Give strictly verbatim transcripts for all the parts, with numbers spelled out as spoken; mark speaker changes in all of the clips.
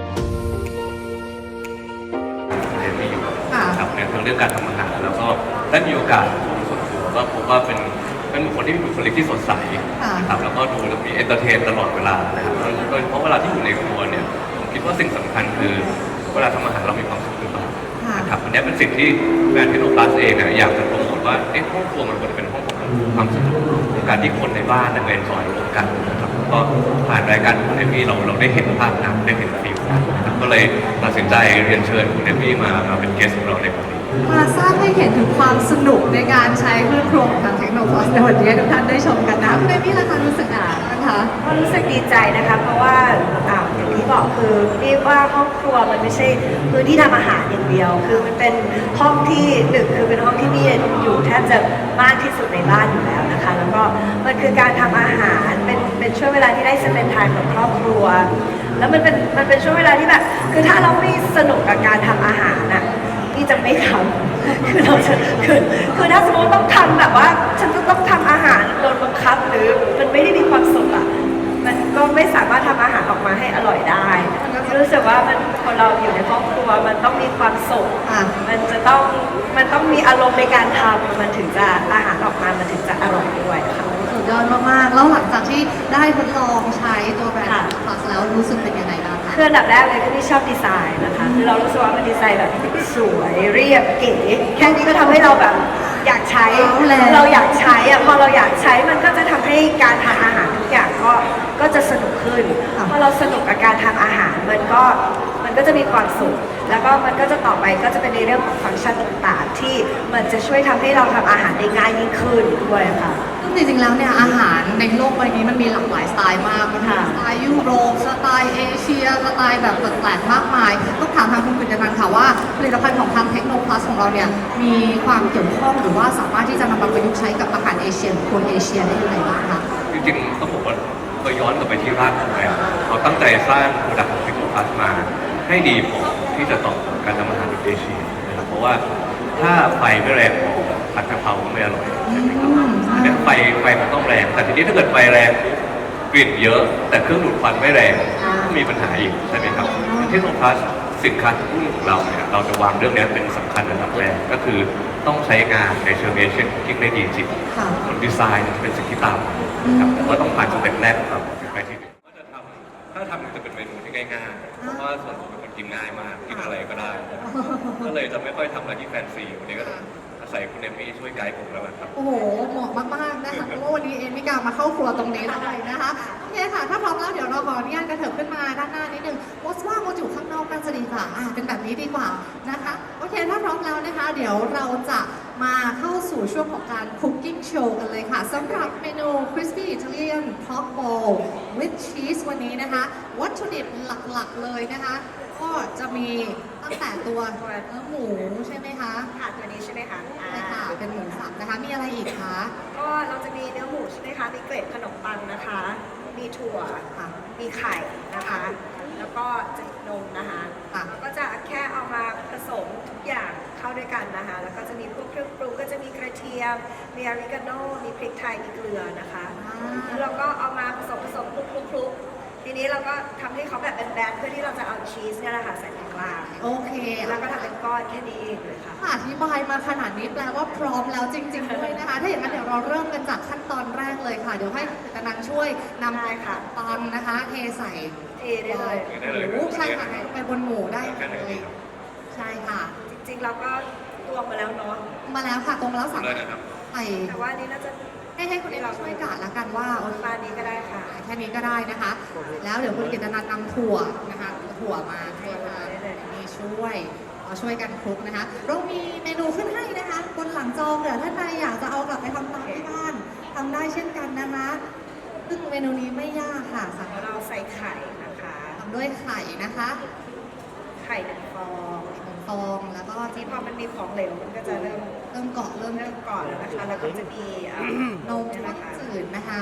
Speaker 1: เรียนไม่อยู่ครับในเรื่องการทำอาหารแล้วก็ได้มีโอกาสส่วนตัวก็พบว่าเป็นเป็นบุคคลที่มีบุคลิกที่สดใสนะครับแล้วก็ดูแล้วมีเอนเตอร์เทนตลอดเวลานะครับโดยเฉพาะเวลาที่อยู่ในครัวเนี่ยผมคิดว่าสิ่งสำคัญคือเวลาทำอาหารเรามีความสุขหรือเปล่านะครับอันนี้เป็นสิ่งที่แบรนด์เทคโนพลัสเองเนี่ยอยากจะโปรโมทว่าเอ๊ะห้องครัวมันควรจะเป็นห้องของความสนุกของการที่คนในบ้านเนี่ยเป็นซอยร่วมกันนะครับก็ผ่านรายการคุณเอมี่เราเราได้เห็นภาพนั้นได้เห็นฟิลนะครับก็เลยตัดสินใจเรียนเชิญคุณเอมี่มามาเป็นเกสต์ของเราในวันนี้
Speaker 2: มาสร้างให้เห็นถึงความสนุกในการใช้เครื่องครัวของทางเทคโนโลยีในวันนี้ทุกท่านได้ชมกันนะคุณเอมี่ล่ะคะรู้สึกอ่ะนะคะ
Speaker 3: ก็รู้สึกดีใจนะคะเพราะว่าอย่างที่บอกคือเรียกว่าห้องครัวมันไม่ใช่พื้นที่ทำอาหารอย่างเดียวคือมันเป็นห้องที่หนึ่งคือเป็นห้องที่มีอยู่แทบจะมากที่สุดในบ้านอยู่แล้วนะคะแล้วก็มันคือการทำอาหารเป็นเป็นช่วงเวลาที่ได้สเปนไทม์กับครอบครัวแล้วมันเป็นมันเป็นช่วงเวลาที่แบบคือถ้าเราไม่สนุกกับการทำอาหารน่ะที่จะไม่ทำคือเราจะคือคือถ้าสมมติต้องทำแบบว่าฉันจะต้องทำอาหารโดนบังคับหรือมันไม่ได้มีความสุขอ่ะมันก็ไม่สามารถทำอาหารออกมาให้อร่อยได้รู้สึกว่ามันคนเราอยู่ในครอบครัวมันต้องมีความสุขมันจะต้องมันต้องมีอารมณ์ในการทำมันถึงจะอาหารออกมามันถึงจะอร่อยด้วยค่ะ
Speaker 2: สุดยอดมากๆแล้วหลังจากที่ได้ทดลองใช้ตัวแบรนด์พลัสแล้วรู้สึกเป็นยังไงบ้างคะ
Speaker 3: คืออันดับแรกเลยก็ที่ชอบดีไซน์นะคะคือเรารู้สึกว่ามันดีไซน์แบบสวยเรียบเก๋แค่นี้ก็ทำให้เราแบบอยากใช้เราอยากใช้อะพอเราอยากใช้มันก็จะทำให้การทำอาหารทุกอย่างก็ก็จะสนุกขึ้นพอเราสนุกกับการทำอาหารมันก็มันก็จะมีความสุขแล้วก็มันก็จะต่อไปก็จะเป็นในเรื่องของฟังก์ชันต่างๆที่มันจะช่วยทำให้เราทำอาหารได้ง่ายยิ่งขึ้นด้วยค่ะ
Speaker 2: ซึ่งจริงๆแล้วเนี่ยอาหารในโลกใบนี้มันมีหลากหลายสไตล์มากมันมีสไตล์ยุโรปสไตล์เอเชียสไตล์แบบแปลกๆมากมายต้องถามทางคุณกฤษณันท์ค่ะว่าผลิตภัณฑ์ของทางเทคโนพลัสของเราเนี่ยมีความเกี่ยวข้องหรือว่าสามารถที่จะนำมาประยุกต์ใช้กับอาหารเอเชียหรือคนเอเชียได้ยังไงบ้างคะ
Speaker 1: จริงๆต้องบอกว่าเคยย้อนกลับไปที่รากของแบรนด์เราตั้งใจสร้างโปรดักต์ของเทคโนพลัสมาให้ดีพอที่จะตอบโจทย์การทำอาหารในเอเชียนะครับเพราะว่าถ้าไฟไม่แรงพอผัดกะเพราก็ไม่อร่อยนะครับดังไฟไฟมันต้องแรงแต่ทีนี้ถ้าเกิดไฟแรงกลิ่นเยอะแต่เครื่องดูดควันไม่แรงก็มีปัญหาอีกใช่ไหมครับเทคโนพลัสสินค้าทุกรุ่นของเราเนี่ยเราจะวางเรื่องนี้เป็นสำคัญระดับแรกก็คือต้องใช้งานในเชิงเอเชียนคุกกิ้งได้ดีจริงส่วนดีไซน์จะเป็นสิ่งที่ตามนะครับแต่ว่าต้องผ่านสเต็ปแรกครับไปที่หนึ่งก็จะทำถ้าทำจะเป็นเมนูที่ง่ายๆเพราะว่าส่วนตัวเป็นคนกินง่ายมากกินอะไรก็ได้ก็เลยจะไม่ค่อยทำอะไรที่แฟนซีวันนี้ก็อาศัยคุณเอมี่ช่วยไกด์ผมแล้วครับ
Speaker 2: โอ้โหเหมาะมากๆนะคะเพราะว่าวันนี้เอมิกามาเข้าครัวตรงนี้เลยนะคะโอเคค่ะถ้าพร้อมแล้วเดี๋ยวเราขออนุญาตกระเถิบขึ้นมาด้านหน้านิดนึงโมสว่าโมอยู่ข้างนอกน่าจะดีกว่าอ่าเป็นแบบนี้ดีกว่านะคะโอเคถ้าพร้อมแล้วนะคะเดี๋ยวเราจะมาเข้าสู่ช่วงของการ cooking show กันเลยค่ะสำหรับเมนู crispy Italian pork ball with cheese วันนี้นะคะวัตถุดิบหลักๆเลยนะคะก็จะมีตั้งแต่ตัวเนื้อหมูใช่ไหมคะ
Speaker 3: ค่ะตัวนี้ใช่ไหมคะ
Speaker 2: ใช่ค่ะเป็นหมูสับนะคะมีอะไรอีกคะ
Speaker 3: ก็เราจะมีเนื้อหมูใช่ไหมคะมีเกล็ดขนมปังนะคะมีถั่วค่ะมีไข่นะคะแล้วก็จะนมนะคะแล้วก็จะแค่เอามาผสมทุกอย่างเข้าด้วยกันนะคะแล้วก็จะมีพวกเครื่องปรุงก็จะมีกระเทียมมีอาริกาโน่มีพริกไทยมีเกลือนะคะแล้วเราก็เอามาผสมผสมคลุกๆทีนี้เราก็ทำให้เขาแบบเป็นแบนเพื่อที่เราจะเอาชีสเนี่ยแหละค่ะใส่ตรงกลาง
Speaker 2: โอเค
Speaker 3: แล้วก็ทำเป็นก้อนแค่นี้เลยค่ะ
Speaker 2: อธิบายมาขนาดนี้แปลว่าพร้อมแล้วจริงๆด้วยนะคะถ้าอย่างนั้นเดี๋ยวเราเริ่มกันจากขั้นตอนแรกเลยค่ะเดี๋ยวให้กำลังช่วยนำไปค่ะปังนะคะเทใส่
Speaker 3: เทได้เลย
Speaker 2: หมูใช่ค่ะไปบนหมูได้เลยใช่ค่ะ
Speaker 3: จริงๆเราก็ตวงมาแล้วเนาะ
Speaker 2: มาแล้วค่ะตรงมาแล้วสั่ง
Speaker 3: ใส่แต่ว่านี้น่าจะ
Speaker 2: ให้ให้คุณเอเราช่วยกะละกันว่า
Speaker 3: ปลานี้ก็ได้ค่ะ
Speaker 2: แค่นี้ก็ได้นะคะแล้วเดี๋ยวคุณกิตนันท์นำถั่วนะคะถั่วมาให้มามีช่วยเอาช่วยกันคลุกนะคะเรามีเมนูขึ้นให้นะคะบนหลังจอเผื่อท่านใดอยากจะเอากลับไปทำตามที่บ้านทำได้เช่นกันนะคะซึ่งเมนูนี้ไม่ยากค่ะสั่ง
Speaker 3: เราใส่ไข่นะคะ
Speaker 2: ทำด้วยไข่นะคะ
Speaker 3: ไข่หนึ่งฟอง
Speaker 2: หนึ่งฟองแล้วก็
Speaker 3: ที่พอมันมีของเหลวมันก็จะเริ่ม
Speaker 2: เริ่มเกาะเริ่ม
Speaker 3: เริ่มเกาะแล้วนะคะแล้วก็จะมี
Speaker 2: นมจืดนะคะ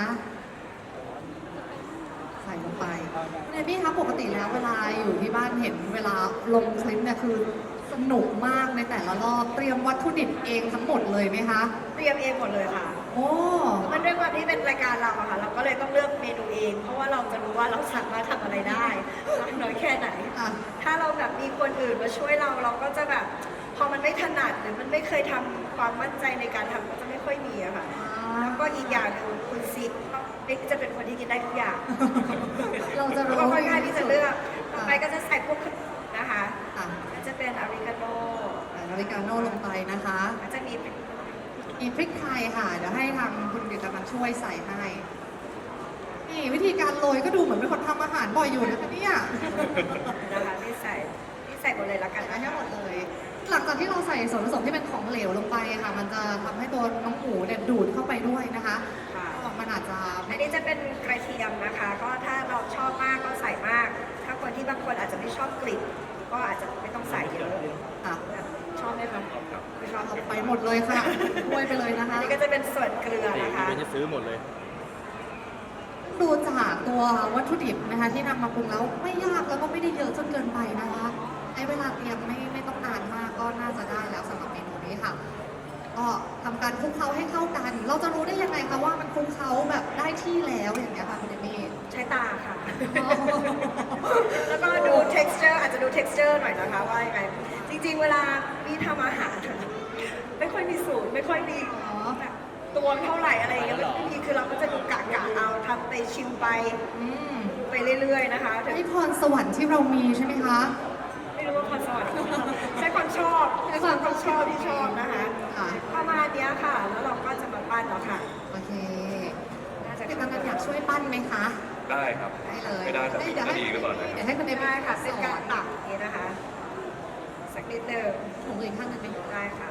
Speaker 2: ใส่ลงไปคุณเอมี่คะปกติแล้วเวลาอยู่ที่บ้านเห็นเวลาลงคลิปเนี่ยคือสนุกมากในแต่ละรอบเตรียมวัตถุดิบเองทั้งหมดเลยไหมคะ
Speaker 3: เตรียมเองหมดเลยค่ะ
Speaker 2: โอ้
Speaker 3: มันด้วยความที่เป็นรายการเราอะค่ะเราก็เลยต้องเลือกเมนูเองเพราะว่าเราจะรู้ว่าเราสามารถทำอะไรได้มากน้อยแค่ไหนมีคนอื่นมาช่วยเราเราก็จะแบบพอมันไม่ถนัดหรือมันไม่เคยทำความมั่นใจในการทำก็จะไม่ค่อยมีอะค่ะแล้วก็อีกอย่างหนึ่งคุณซิกบิ๊กจะเป็นคนที่กินได้ทุกอย่าง
Speaker 2: เราจะ
Speaker 3: แล้ว
Speaker 2: รู้
Speaker 3: ก็ค่อนข้างที่จะเลือกต่อไปก็จะใส่พวกขนมนะคะ
Speaker 2: ค่ะ
Speaker 3: ก็จะเป็นอเมริกาโน่
Speaker 2: ใส่อเมริกาโน่ลงไปนะคะ
Speaker 3: ก็จะมีเป็น
Speaker 2: มีพริกไทยค่ะ เดี๋ยวให้ทางคุณเดชมันช่วยใส่ให้ นี่วิธีการโรยก็ดูเหมือนเป็นคนทำอาหารบ่อยอยู่นะคะเนี่ย
Speaker 3: นะคะที่ใส่ที่ใส่หมดเลยละกัน
Speaker 2: ใส่
Speaker 3: นะ
Speaker 2: ให้หมดเลย หลังจากที่เราใส่ส่วนผสมที่เป็นของเหลวลงไปค่ะ มันจะทำให้ตัวน้องหมูเนี่ยดูดเข้าไปด้วยนะคะ
Speaker 3: ค่ะ
Speaker 2: ก็มันอาจจะ
Speaker 3: อันนี้จะเป็นกระเทียมนะคะ ก็ถ้าเราชอบมากก็ใส่มาก ถ้าคนที่บางคนอาจจะไม่ชอบกลิ่นก็อาจจะไม่ต้องใส่เยอะ
Speaker 2: ค่ะ
Speaker 3: ชอบไหมคะไม่ชอบ
Speaker 2: เอาไปหมดเลยค่ะช่วยไปเลยนะคะ
Speaker 3: อันนี้ก็จะเป็นส่วนเกลือนะคะ
Speaker 4: เดี๋ยวจะซื้อหมดเลย
Speaker 2: ดูจากตัววัตถุดิบนะคะที่นำมาปรุงแล้วไม่ยากแล้วก็ไม่ได้เยอะจนเกินไปนะคะใช้เวลาเตรียมไม่ไม่ต้องนานมากก็น่าจะได้แล้วสำหรับเมนูนี้ค่ะ ก็ทำการคลุกเคล้าให้เข้ากัน เราจะรู้ได้ยังไงคะว่ามันคลุกเคล้าแบบได้ที่แล้วอย่างเงี้ยค่ะคุณเอมี่
Speaker 3: ใช้ตาค่ะ
Speaker 2: อ๋อ
Speaker 3: แล้วก็ดู texture อาจจะดู texture หน่อยนะคะว่ายังไง จริงๆ เวลาพี่ทำอาหารไม่ค่อยมีสูตรไม่ค่อยมี
Speaker 2: อ๋อ
Speaker 3: แบบตวงเท่าไหร่อะไรอย่างเงี้ยบางทีคือเราก็จะดูกะกะเอาทำไปชิมไป
Speaker 2: อืม
Speaker 3: ไปเรื่อยๆนะคะถึง
Speaker 2: ให้พรสวรรค์ที่เรามีใช่ไหมคะ
Speaker 3: ไม่รู้ว่าความสวรรค์ใช้ความชอบ
Speaker 2: ใช้ความ
Speaker 3: ชอบที่ชอบนะคะ
Speaker 2: ค่ะ
Speaker 3: ประมาณเนี้ยค่ะ แล้วเราก็จะมาปั้นแล้วค่ะ
Speaker 2: โอเค
Speaker 3: น่าจะ
Speaker 2: พี่กำนันอยากช่วยปั้นไหมคะ
Speaker 1: ได้ครับ
Speaker 2: ได้เลย
Speaker 1: ไม่ได้แต่
Speaker 2: เดี๋
Speaker 1: เป็น
Speaker 2: ยว
Speaker 1: ก็
Speaker 2: ให้
Speaker 1: ดีก็ก่อนนะ
Speaker 2: เดี๋ยวให้คุณเอมี่
Speaker 3: ได้ค่ะ
Speaker 2: ส
Speaker 3: เป็น
Speaker 2: อ
Speaker 3: การ
Speaker 2: น
Speaker 3: ตักอย่างนี้นะคะ สักนิดหนึ่ง
Speaker 2: ถุงอีกข้างหนึงไหม
Speaker 3: ได้ค่ะ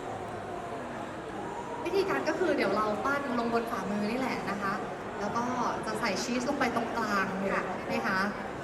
Speaker 2: วิธีการก็คือเดี๋ยวเราปั้นลงบนฝ่ามือนี่แหละนะคะ แล้วก็จะใส่ชีสลงไปตรงกลาง
Speaker 3: ค่ะ
Speaker 2: ใช่ไหมคะ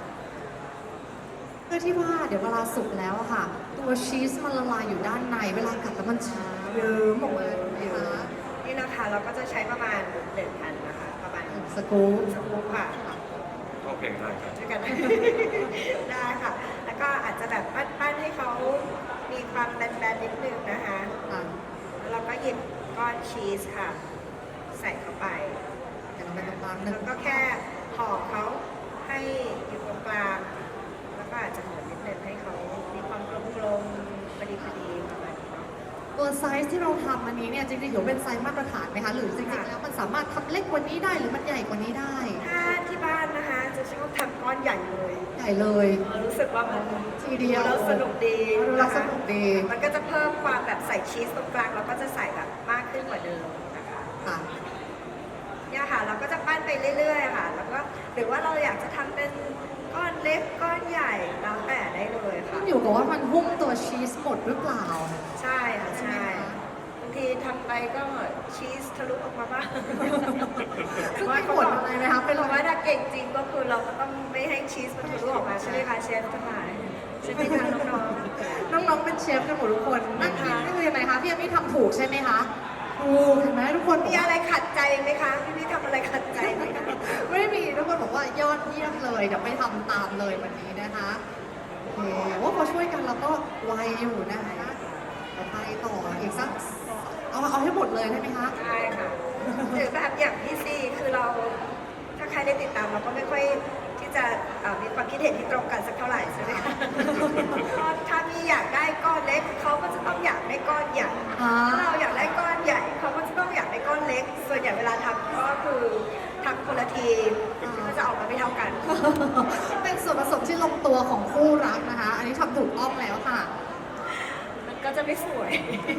Speaker 2: เพื่อที่ว่าเดี๋ยวเวลาสุกแล้วอะค่ะ ตัวชีสมันละลายอยู่ด้านใน เวลากัดแล้วมันชื้นเยิ้มออกมานะคะ
Speaker 3: นี่นะคะเราก็จะใช้ประมาณหนึ่งอันนะคะ ประมาณ
Speaker 2: สกู๊ป
Speaker 3: สกู๊ปค่ะ
Speaker 1: โอเคได้ครับ
Speaker 3: ช่วยกัน ได้ค่ะ แล้วก็อาจจะแบบปั้นๆให้เขามีความแบนๆนิดนึงนะคะ
Speaker 2: ค่ะ
Speaker 3: แล้วเราก็หยิบก้อนชีสค่ะ ใส่เข้าไป
Speaker 2: เดี๋ยวเราไปตรงกลางหนึ่
Speaker 3: แล้
Speaker 2: ง
Speaker 3: วก็แค่ห่อเขาให้อยู่ตรงกลาง แล้วก็อาจจะหมุนนิดนึงให้เขามีความกลมๆพอดีพอดีประมาณนี้เนาะ
Speaker 2: ตัวไซส์ที่เราทำอันนี้เนี่ยจริงๆถือเป็นไซส์มาตรฐานไหมคะ หรือจริงๆแล้วมันสามารถทำเล็กกว่านี้ได้หรือมันใหญ่กว่านี้ได้
Speaker 3: ถ้าที่บ้านนะคะจะชอบทำก้อนใหญ่เลย
Speaker 2: ใหญ่เลย
Speaker 3: รู้สึกว่ามัน
Speaker 2: ทีเดียว
Speaker 3: แล้วสนุกดี
Speaker 2: ดูแล้วสนุกดี
Speaker 3: มันก็จะเพิ่มความแบบใส่ชีสตรงกลางเราก็จะใส่แบบมากขึ้นกว่าเดิมนะคะ
Speaker 2: ค่ะ
Speaker 3: เนี่ยค่ะเราก็จะปั้นไปเรื่อยๆค่ะ แล้วก็หรือว่าเราอยากจะทำเป็นก้อนเล็กก้อนใหญ่แล้วแต่ได้เลยค่ะ
Speaker 2: ขึ้นอยู่กับว่ามันหุ้มตัวชีสหมดหรือเปล่า
Speaker 3: ใช่ค่ะใช่บางทีทำไปก็ชีสทะลุออกมาบ้าง
Speaker 2: ซึ่งไม่ผลอะไรนะคะเป็น
Speaker 3: แต่ว่าถ้าเก่งจริงก็คือเราก็ต้องไม่ให้ชีสมันทะลุออกมาใช่ไหมคะเชฟทั้งหลายใช่ไหมคะน้อง
Speaker 2: น้องๆเป็นเชฟกันหมดทุกคนนั่งกิน
Speaker 3: นะคะ
Speaker 2: นี่คือยังไงคะพี่ยังไม่ทำถูกใช่ไหมคะถูกเห็นไหมทุกคน
Speaker 3: ๆมีอะไรขัดใจไหมคะพี่พี่ทำอะไรขัดใจไหมคะ
Speaker 2: ไม่ได้มีทุกคนบอกว่ายอดเยี่ยมเลยเดี๋ยวไปทำตามเลยวันนี้นะคะโอเคว่าพอช่วยกันเราก็ไวอยู่นะคะเดี๋ยวไปต่ออีกสักเอาเอาให้หมดเลยได้ไหมคะ
Speaker 3: ใช่ค่ะหรือแบบอย่างพี่ซีคือเราถ้าใครได้ติดตามเราก็ไม่ค่อยที่จะเอ่อมีความคิดเห็นที่ตรงกันสักเท่าไหร่ใช่ไหมคะก็ถ้ามีอยากได้ก้อนเล็กเขาก็จะต้องอยากได้ก้อนใหญ่
Speaker 2: อ่า
Speaker 3: ถ้าเราอยากได้ก้อนใหญ่เขาก็จะต้องอยากได้ก้อนเล็ก ส่วนใหญ่เวลาทำก็คือทำคนละทีก็จะออกมาไม่เท่ากัน
Speaker 2: เป็นส่วนผสมที่ลงตัวของคู่รักนะคะ อันนี้ทำถูกต้องแล้วค่ะ
Speaker 3: มันก็จะไม่สวย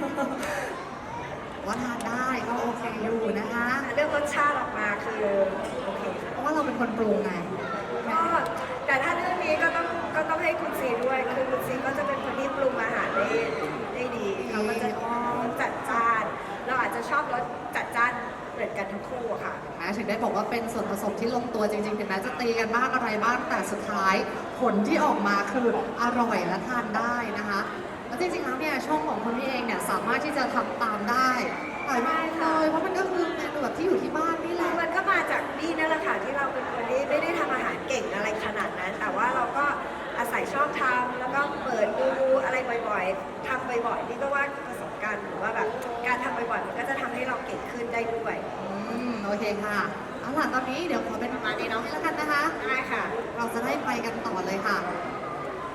Speaker 2: ว่าทานได้ก็โอเคอยู่นะคะ
Speaker 3: เรื่องรสชาติออกมาคือโอเคค่ะ
Speaker 2: เพราะว่าเราเป็นคนปรุงไง
Speaker 3: ก็แต่ถ้าเรื่องนี้ก็ต้องก็ต้องให้คุณซีด้วย คือคุณซีก็จะเป็นคนที่ปรุงอาหารได้ได้ดีเขาก็จะจัดจ้าน เราอาจจะชอบรสจัดจ้านเหมือนกันทั้งคู่อะค่ะ
Speaker 2: แม้ถึงได้บอกว่าเป็นส่วนผสมที่ลงตัวจริงๆ ถึงแม้จะตีกันบ้างอะไรบ้างแต่สุดท้ายผลที่ออกมาคืออร่อยและทานได้นะคะแล้วจริงๆแล้วเนี่ยช่องของคุณพี่เองเนี่ยสามารถที่จะทำตามได้อร่อยมากเลยเพราะมันก็คือเมนูแบบที่อยู่ที่บ้านนี่แหละ
Speaker 3: มันก็มาจากนี่นั่นแหละค่ะที่เราเป็นคนที่ไม่ได้ทำอาหารเก่งอะไรขนาดนั้น แต่ว่าเราก็อาศัยชอบทำแล้วก็เปิดดูอะไรบ่อยๆทำบ่อยๆนี่ก็ว่าประสบการณ์หรือว่าแบบการทำบ่อยๆมันก็จะทำให้เราเก่งขึ้นได้ด้วย
Speaker 2: อืมโอเคค่ะเอาล่ะตอนนี้เดี๋ยวขอเป็นประมาณนี้เนาะแล้วกันนะคะ
Speaker 3: ได้ค่ะ
Speaker 2: เราจะได้ไปกันต่อเลยค่ะ ท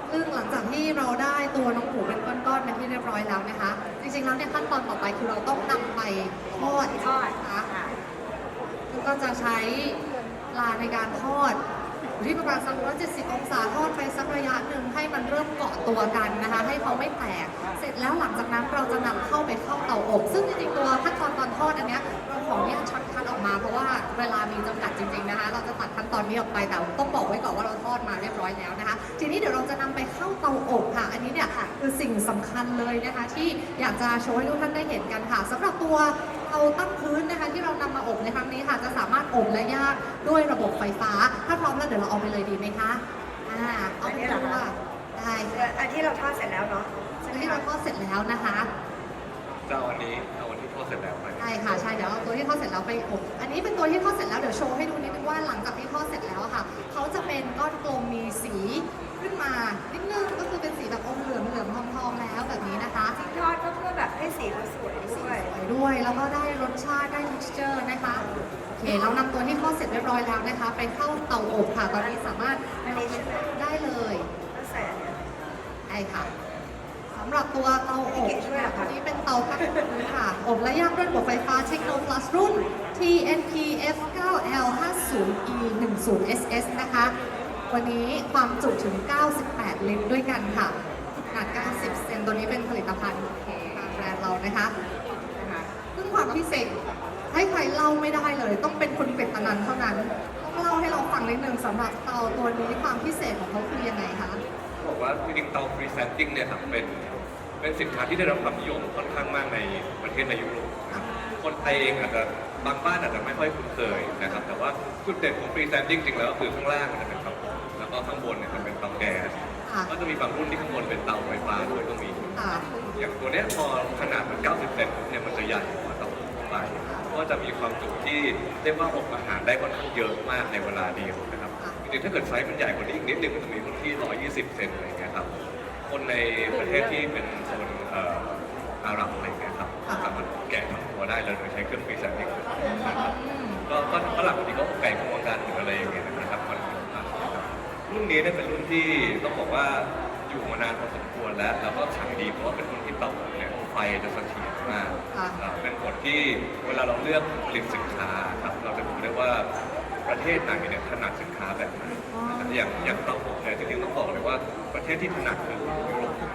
Speaker 2: ซึ่งหลังจากที่เราได้ตัวน้องหมูเป็นก้อนๆเป็นที่เรียบร้อยแล้วนะคะ จริงๆแล้วเนี่ยขั้นตอนต่อไปคือเราต้องนำไปทอด
Speaker 3: ทอด
Speaker 2: นะคะ
Speaker 3: ค่ะ
Speaker 2: ซึ่งก็จะใช้เวลาในการทอดอยู่ที่ประมาณสักร้อยเจ็ดสิบองศาทอดไปสักระยะหนึ่งให้มันเริ่มเกาะตัวกันนะคะ ให้เขาไม่แตก เสร็จแล้วหลังจากนั้นเราจะนำเข้าไปเข้าเตาอบ ซึ่งจริงๆตัวขั้นตอนตอนทอดอันเนี้ยเราขออนุญาตช็อตคัทออกมาเพราะว่าเวลามีจำกัดจริงๆนะคะ เราจะตัดขั้นตอนนี้ออกไปแต่ต้องบอกไว้ก่อนว่าเราทอดมาเรียบร้อยแล้วนะคะ ทีนี้เดี๋ยวเราจะนำไปเข้าเตาอบค่ะ อันนี้เนี่ยคือสิ่งสำคัญเลยนะคะ ที่อยากจะโชว์ให้ทุกท่านได้เห็นกันค่ะสำหรับตัวเตาตั้งพื้นนะคะ ที่เรานำมาอบในครั้งนี้ค่ะ จะสามารถอบและย่างด้วยระบบไฟฟ้า ถ้าพร้อมแล้วเดี๋ยวเราเอาไปเลยดีไหมคะอ่าเอาไปเลยค่ะได้ค่ะ
Speaker 3: อันที่เราทอดเสร็จแล้วเนาะ
Speaker 2: อันนี้เราทอดเสร็จแล้วนะคะ
Speaker 1: จะเอาวันนี้เอาวันที่ทอดเสร็จแล้วไป
Speaker 2: ใช่ค่ะใช่เดี๋ยวเอาตัวที่ทอดเสร็จแล้วไปอบอันนี้เป็นตัวที่ทอดเสร็จแล้วเดี๋ยวโชว์ให้ดูนิดนึงว่าหลังจากที่ทอดเสร็จแล้วอะค่ะเขาจะเป็นก้อนกลมมีสีขึ้นมานิดนึงก็คือเป็นสีแบบอมเหลืองเหลืองทองทองๆแล้วแบบนี้นะคะ
Speaker 3: จริงทอดก็เพื่อแบบให้สีเขาสวยด้วย
Speaker 2: สวยด้วยแล้วก็ได้รสชาติได้ texture นะคะโอเคเรานำตัวที่ทอดเสร็จเรียบร้อยแล้วนะคะ ไปเข้าเตาอบค่ะ ตอนนี้สามารถ
Speaker 3: อันนี้ใช่ไหม
Speaker 2: ได้เลย
Speaker 3: ก็ใส่อันเนี้ย
Speaker 2: ใช่ค่ะสำหรับตัวเตาอบ
Speaker 3: เก๋ช่วยเหรอคะ
Speaker 2: ตัวนี้เป็นเตาตั้งพื้นค่ะอบและย่างด้วยระบบไฟฟ้า Techno Plus รุ่น ที เอ็น พี เอฟ ไนน์ แอล ห้าสิบ อี หนึ่งสิบ เอส เอส นะคะ วันนี้ความจุถึง เก้าสิบแปด ลิตรด้วยกันค่ะขนาด เก้าสิบ เซนตัวนี้เป็นผลิตภัณฑ์ทางแบรนด์เรานะคะนะคะซึ่งความพิเศษให้ใครเล่าไม่ได้เลย ต้องเป็นคุณเป็ดตะนันเท่านั้น ต้องเล่าให้เราฟังนิดนึงสำหรับเตาตัวนี้ความพิเศษของเขาคือยังไงคะ
Speaker 1: บอกว่าจริงๆเตาฟรีแซนติ้งเนี่ยครับเป็นเป็นสินค้าที่ได้รับความนิยมค่อนข้างมากในประเทศในยุโรปนะครับคนไทยเองอาจจะบางบ้านอาจจะไม่ค่อยคุ้นเคยนะครับแต่ว่าจุดเด่นของฟรีแซนติ้งจริงแล้วก็คือข้างล่างมันจะเป็นเตาอบแล้วก็ข้างบนเนี่ยจะเป็นเตาแก๊ส
Speaker 2: ค่ะ
Speaker 1: ก็จะมีบางรุ่นที่ข้างบนเป็นเตาไฟฟ้าด้วยก็มี
Speaker 2: ค่ะ
Speaker 1: อย่างตัวเนี้ยพอขนาดมันเก้าสิบเซนปุ๊บเนี่ยมันจะใหญ่กว่าเตาอบทั่วไปก็จะมีความจุที่เรียกว่าอบอาหารได้ค่อนข้างเยอะมากในเวลาเดียวนะครับ
Speaker 2: ค่ะ
Speaker 1: จริงๆถ้าเกิดไซส์มันใหญ่กว่านี้อีกนิดนึงมันจะมีรุ่นที่หนึ่งร้อยยี่สิบเซนอะไรอย่างเงี้ยครับ คนในประเทศที่เป็นโซนเอ่ออาหรับอะไรอย่างเงี้ยครับ
Speaker 2: ค่ะ
Speaker 1: สามารถแกะทั้งตัวได้เลยโดยใช้เครื่องฟรีซนิ่งนะครับ
Speaker 2: อืม
Speaker 1: ก็ก็ฝรั่งบางทีก็ไก่พวงกันหรืออะไรอย่างเงี้ยนะครับมันนะครับรุ่นนี้เนี่ยเป็นรุ่นที่ต้องบอกว่าอยู่มานานพอสมควรแล้วแล้วก็ขายดีเพราะว่าเป็นรุ่นที่เตาอบเนี่ยไฟจะเสถียรมาก
Speaker 2: ค่ะ
Speaker 1: อ่าเป็นผลที่เวลาเราเลือกผลิตสินค้าครับเราจะดูได้ว่าประเทศไหนเนี่ยถนัดสินค้าแบบไหน
Speaker 2: อ๋อ
Speaker 1: อย่างอย่างเตาอบเนี่ยจริงๆต้องบอกเลยว่าประเทศที่ถนัดคือยุโรป